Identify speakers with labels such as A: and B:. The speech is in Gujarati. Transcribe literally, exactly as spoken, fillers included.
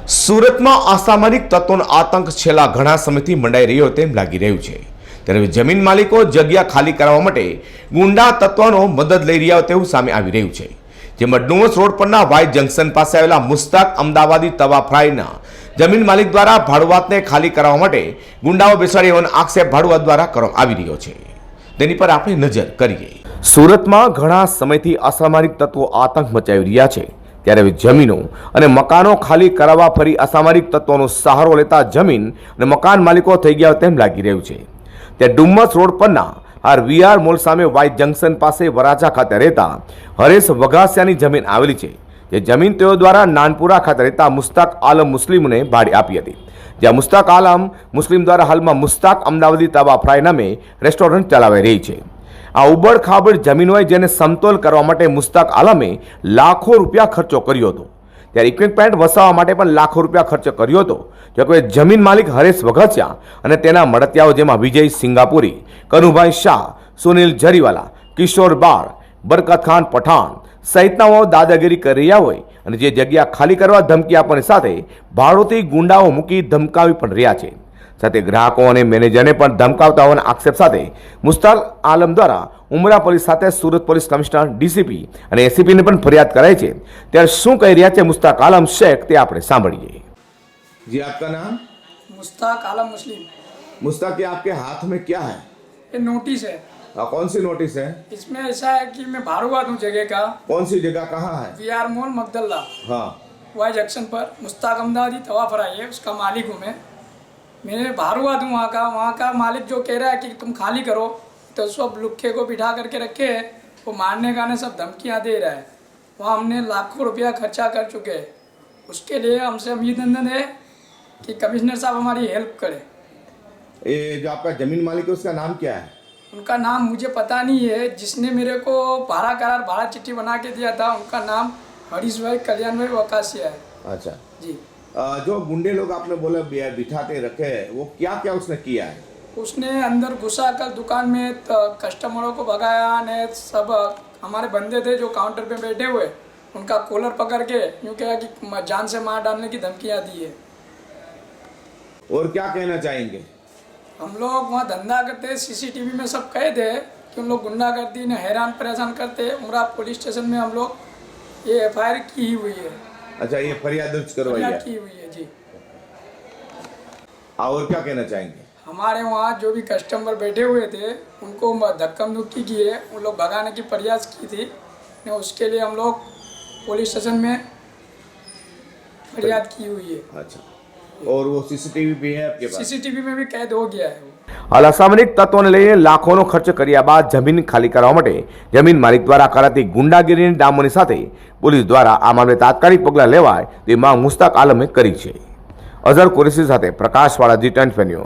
A: સુરતમાં અસામરિક તત્વોનો આતંક છેલ્લા ઘણા સમયથી મંડાઈ રહ્યો તેમ લાગી રહ્યું છે। ત્યારે જમીન માલિકો જગ્યા ખાલી કરાવવા માટે ગુંડા તત્વોનો મદદ લઈ રહ્યા તેવું સામે આવી રહ્યું છે। જેમાં ડુમસ રોડ પરના વાય જંકશન પાસે આવેલા મુસ્તાક અમદાવાદી તવા ફ્રાયના જમીન માલિક દ્વારા ભાડુઆતને ખાલી કરાવવા માટે ગુંડાઓ બેસાડી હોવાનો આક્ષેપ ભાડુઆત દ્વારા કરવામાં આવી રહ્યો છે। તેની પર આપણે નજર કરીએ। સુરતમાં ઘણા સમયથી અસામરિક તત્વો આતંક મચાવી રહ્યા છે। ત્યારે જમીનો અને મકાનો ખાલી કરાવવા ફરી અસામરિક તત્વોનો સહારો લેતા જમીન અને મકાન માલિકો થઈ ગયા તેમ લાગી રહ્યું છે। ત્યારે ડુમ્મસ રોડ પરના આર વીઆર મોલ સામે વાય જંકશન પાસે વરાછા ખાતે રહેતા હરેશ વઘાસિયાની જમીન આવેલી છે। જે જમીન તેઓ દ્વારા નાનપુરા ખાતે રહેતા મુસ્તાક આલમ મુસ્લિમને ભાડે આપી હતી। જ્યાં મુસ્તાક આલમ મુસ્લિમ દ્વારા હાલમાં મુસ્તાક અમદાવાદી તવા ફ્રાય નામે રેસ્ટોરન્ટ ચલાવી રહી છે। આ ઉબડ ખાબડ જમીન હોય જેને સમતોલ કરવા માટે મુસ્તાક આલમે લાખો રૂપિયા ખર્ચો કર્યો હતો। ત્યારે ઇક્વિપમેન્ટ વસાવવા માટે પણ લાખો રૂપિયા ખર્ચ કર્યો હતો। જો કે જમીન માલિક હરેશ વઘાસિયા અને તેના મળતિયાઓ જેમાં વિજય સિંગાપુરી, કનુભાઈ શાહ, સુનિલ જરીવાલા, કિશોર બાર, બરકત ખાન પઠાણ સહિતનાઓ દાદાગીરી કરી રહ્યા હોય અને જે જગ્યા ખાલી કરવા ધમકી આપવાની સાથે ભાડોથી ગુંડાઓ મૂકી ધમકાવી પણ રહ્યા છે। સાથે ગ્રાહકો અને મેનેજરને પણ ધમકાવતા હોવાના આક્ષેપ સાથે મુસ્તાક આલમ દ્વારા ઉમરા પોલીસ સાથે સુરત પોલીસ કમિશનર, ડીસીપી અને એસીપીને પણ ફરિયાદ કરાઈ છે। ત્યારે શું કહી રહ્યા છે મુસ્તાક આલમ શેખ તે આપણે સાંભળીએ। जी आपका नाम?
B: मुस्ताक आलम मुस्लिम।
A: मुस्ताक, ये आपके हाथ में क्या है?
B: ये नोटिस है।
A: आ, कौन सी नोटिस है?
B: इसमें ऐसा है कि मैं भाड़ुआ दूँ जगह का।
A: कौन सी जगह, कहाँ है?
B: वी आर मॉल मगदल्ला,
A: हाँ,
B: वाई जंक्शन पर मुस्ताक अमदावादी तवा फराई है, उसका मालिक हूँ मैं। मैं भाड़ुआ दूँ वहाँ का। वहाँ का मालिक जो कह रहा है कि तुम खाली करो, तो सब लुक्खे को बिठा करके रखे है, वो मारने का ने सब धमकियाँ दे रहा है। वहाँ हमने लाखों रुपया खर्चा कर चुके हैं। उसके लिए हमसे अभिनंदन है कि कमिश्नर साहब हमारी हेल्प करें।
A: ये जो आपका जमीन मालिक है उसका नाम क्या है?
B: उनका नाम मुझे पता नहीं है। जिसने मेरे को भाड़ा करार भाड़ा चिट्ठी बना के दिया था उनका नाम हरीश भाई कल्याण भाई वकासिया है।
A: अच्छा
B: जी।
A: आ, जो गुंडे लोग आपने बोला बि- बिठाते रखे हैं, वो क्या क्या उसने किया है?
B: उसने अंदर घुसा कर दुकान में त- कस्टमरों को भगाया ने सब हमारे बंदे थे जो काउंटर पे बैठे हुए उनका कॉलर पकड़ के यूँ कहा कि म- जान से मार डालने की धमकियाँ दी है।
A: और क्या कहना चाहेंगे?
B: हम लोग वहाँ धंधा करते, सीसीटीवी में सब कहे थे कि उन लोग गुंडागर्दी ने हैरान परेशान करते। उमरा पुलिस स्टेशन में हम लोग ये एफ आई आर की हुई है।
A: अच्छा, ये फरियाद दर्ज करवाई
B: फरियाद
A: है।
B: की हुई है जी।
A: और क्या कहना चाहेंगे?
B: हमारे वहाँ जो भी कस्टमर बैठे हुए थे उनको धक्कम धुक्की की है, उन लोग भगाने की प्रयास की थी ने उसके लिए हम लोग पुलिस स्टेशन में फरियाद की हुई है।
A: अच्छा, और वो सीसीटीवी भी है आपके पास?
B: सीसीटीवी में भी कैद हो गया है वो।
A: હાલ અસામરિક તત્વોને લઈને લાખોનો ખર્ચ કર્યા બાદ જમીન ખાલી કરવા માટે જમીન માલિક દ્વારા કરાતી ગુંડાગીરીની ડામોની સાથે પોલીસ દ્વારા આ મામલે તાત્કાલિક પગલાં લેવાય તે માંગ મુસ્તાક આલમે કરી છે। અઝર કુરેશી સાથે પ્રકાશવાળા જી ટ્વેન્ટી